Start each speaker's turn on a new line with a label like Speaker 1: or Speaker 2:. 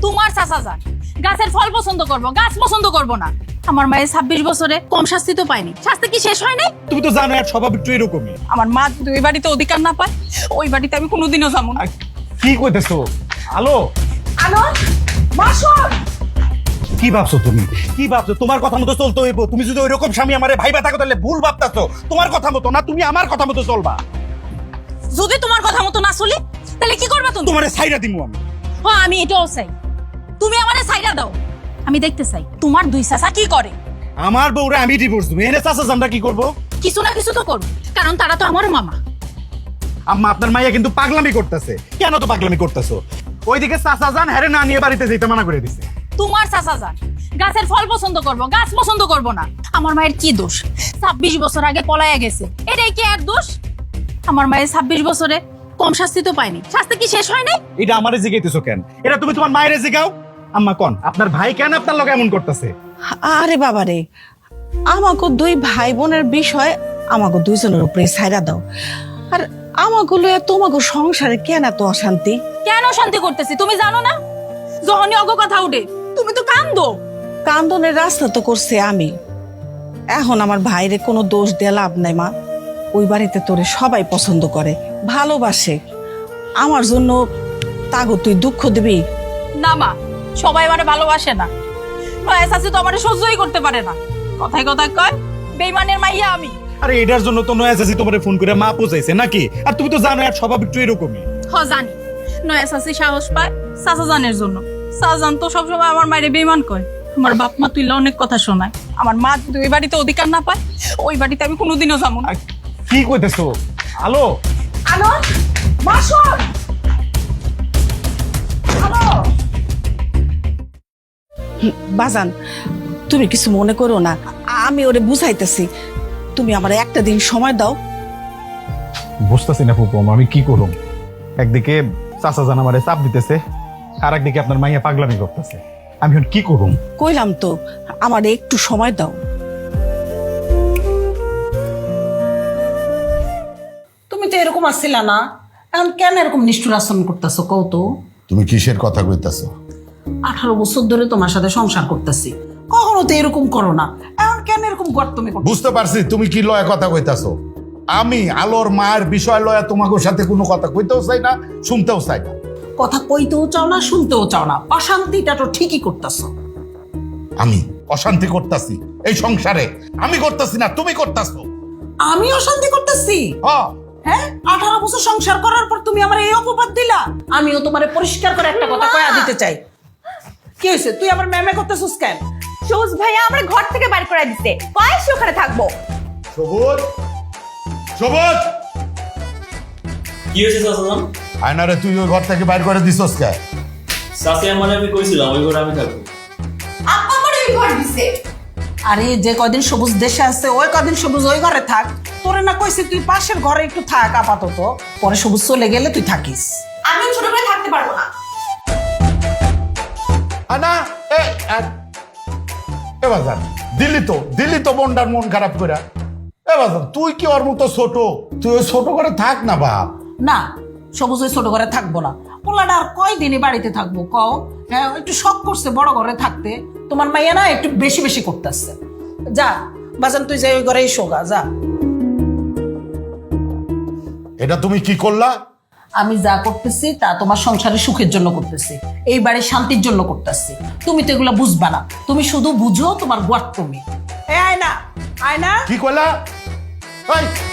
Speaker 1: তোমার চাচা যান গাছের ফল পছন্দ করবো, গাছ পছন্দ করবো না। আমার মায়ের 26 বছরে কম শাস্তি তো পায়নি, শাস্তি কি শেষ হয় নাই?
Speaker 2: তুমি তো জানো এর স্বভাব একটু এরকমই।
Speaker 1: আমার মা যদি ওই বাড়িতে অধিকার না পায়, ওই বাড়িতে আমি কোনোদিনও যাবো না।
Speaker 2: আর কি কইতেছো? আলো
Speaker 1: আনন্দ মাসুদ,
Speaker 2: কি ভাবছো তুমি? কি ভাবছো? তোমার কথা মতো চলতে হইব। তুমি যদি ওই রকম স্বামী আমারে ভাইবা থাকো তাহলে ভুল ভাবতাছো। তোমার কথা মতো না, তুমি আমার কথা মতো চলবা।
Speaker 1: যদি তোমার কথা মতো না চলি তাহলে কি করবা তুমি?
Speaker 2: তোমারে ছাইরা দিমু আমি।
Speaker 1: হ্যাঁ, আমি এটাও চাই, তুমি আমারে ছাইরা দাও। আমি দেখতে চাই তোমার দুই চাচা কি করে।
Speaker 2: আমার বউরে আমি ডিভোর্স দেবো, এনে চাচা আমরা কি করবো?
Speaker 1: কিছু না কিছু তো করবো, কারণ তারা তো আমার মামা।
Speaker 2: আম্মা, আপনার মাইয়া কিন্তু পাগলামি করতেছে। কেন তো পাগলামি করতেছো? ওইদিকে চাচা যান হ্যারে না নিয়ে বাড়িতে যেতে মানা করে দিছে।
Speaker 1: তোমার চাচা যান গাছের ফল পছন্দ করবো, গাছ পছন্দ করবো না। আমার মায়ের কি দোষ? 26 বছর আগে পলায়া গেছে, এটাই কি আর দোষ? আমার মায়ের 26 বছরে কম শাস্তি তো পায়নি, শাস্তি কি শেষ হয় নাই?
Speaker 2: এটা আমারে জিগাইতেছো কেন? এটা তুমি তোমার মায়েরে জিগাও। আম্মা কোন আপনার ভাই কেন আপনার লগে এমন করতেছে?
Speaker 3: আরে বাবারে, আমাকে দুই ভাই বোনের বিষয় আমাকে দুইজনের উপরে ছাইরা দাও। আর আমাগুলো তোমাকে সংসারে কেন এত অশান্তি?
Speaker 1: কেন শান্তি করতেছি তুমি জানো না? যখনই অগ কথা উঠে তুমি তো কান্দো।
Speaker 3: কান্দনের রাস্তা তো করছে আমি। এখন আমার ভাইরে কোনো দোষ দিয়ে লাভ নাই মা। ওই বাড়িতে তোরে সবাই পছন্দ করে, ভালোবাসে। আমার জন্য তাগো তুই দুঃখ দিবি?
Speaker 1: না মা, সবাই আমারে ভালোবাসে না। নয়া শাশি তো আমারে সহ্যই করতে পারে না। কথায় কথায় কয় বেইমানের মাইয়া আমি।
Speaker 2: আরে এটার জন্য তো নয়া চাচি তোমারে ফোন করে মা পৌঁছাইছে নাকি? আর তুমি তো জানো এর স্বভাব একটু এরকমই।
Speaker 1: জানি নয়া শাশি সাহস পায় চাচা জানের জন্য। চাচা তো সবসময় আমার মায়ের বেইমান কয়। আমার বাপ মা তুইলা অনেক কথা শোনায়। আমার মা যদি ওই বাড়িতে অধিকার না পায়, ওই বাড়িতে আমি কোনোদিনও যাবো না।
Speaker 2: আর কি কইতেছো? আলো
Speaker 1: আনন্দ মাসুদ, হ্যালো।
Speaker 3: বাজান, তুমি কিছু মনে করো না, আমি ওরে বুঝাইতেছি। তুমি আমার একটা দিন সময় দাও।
Speaker 2: বুঝতেছি না ফুপু, আমি কি করুম? একদিকে চাচা জান আমারে চাপ দিতেছে, আর একদিকে আপনার মাইয়া পাগলামি করতেছে। আমি এখন কি করুম?
Speaker 3: কইলাম তো, আমার একটু সময় দাও।
Speaker 4: তুমি তো এরকম আসছিলা না, এখন কেন এরকম নিষ্ঠুর আচরণ করতেছো কও তো?
Speaker 5: তুমি কিসের কথা কইতাছো?
Speaker 4: 18 বছর ধরে তোমার সাথে সংসার করতেছি, কখনো তো এরকম করো না, এখন কেন এরকম গর্তমি করছো?
Speaker 5: বুঝতে পারছি তুমি কি লয়া কথা কইতাছো। আমি আলোর মায়ের বিষয় লয়া তোমাকে সাথে কোনো কথা কইতেও চাই না, শুনতেও চাই না।
Speaker 4: কথা কইতেও চাও না, শুনতেও চাও না, অশান্তিটা তো ঠিকই করতেছো।
Speaker 5: আমি অশান্তি করতাছি এই সংসারে? আমি করতাছি না, তুমি করতাছো।
Speaker 4: আমি অশান্তি করতেছি? হ্যাঁ, 18 বছর সংসার করার পর তুমি আমার এই অপবাদ দিলা। আমিও তোমারে পরিষ্কার করে একটা কথা কয়া দিতে চাই। কি হয়েছে, তুই আমার ম্যামে করতেছিস কেন?
Speaker 6: সবুজ ভাইয়া আমার ঘর থেকে বাইর করে দিতে, কয় সে ওখানে থাকবো।
Speaker 5: সবুজ, সবুজ,
Speaker 7: কি হয়েছে চাচাজান?
Speaker 5: আয়নারে তুই ওই ঘর থেকে বাইর করে দিছস কে?
Speaker 7: চাচি মানে আমি কইছিলাম ওই ঘরে আমি থাকবো।
Speaker 6: আপা আমার ওই ঘর দিছে।
Speaker 4: আরে যে কদিন সবুজ দেশে আছে ওই কদিন সবুজ ওই ঘরে থাক। তোরে না কইছি তুই পাশের ঘরে একটু থাক আপাতত, পরে সবুজ চলে গেলে তুই থাকিস।
Speaker 6: আমি ছোট করে থাকতে পারবো না।
Speaker 5: আনা এ বাজান, দিল্লি তো মনটার মন খারাপ করে। এ বাজান, তুই কি ওর মতো ছোট? তুই ওই ছোট করে থাক না বাপ।
Speaker 4: না, সবুজ ওই ছোট ঘরে থাকবো না। পোলাটা আর কয়দিনই বাড়িতে থাকবো কও? হ্যাঁ, একটু শখ করছে বড় ঘরে থাকতে। তোমার মাইয়া না একটু বেশি বেশি করতেছে। যা বাজান, তুই যাই ওই ঘরে শোগা যা।
Speaker 5: এটা তুমি কি করলা?
Speaker 4: আমি যা করতেছি তা তোমার সংসারের সুখের জন্য করতেছি, এই বাড়ির শান্তির জন্য করতেছি। তুমি তো এগুলো বুঝবা না, তুমি শুধু বুঝো তোমার গোয়ার তুমি। আয়না, আয়না,
Speaker 5: কি করলা?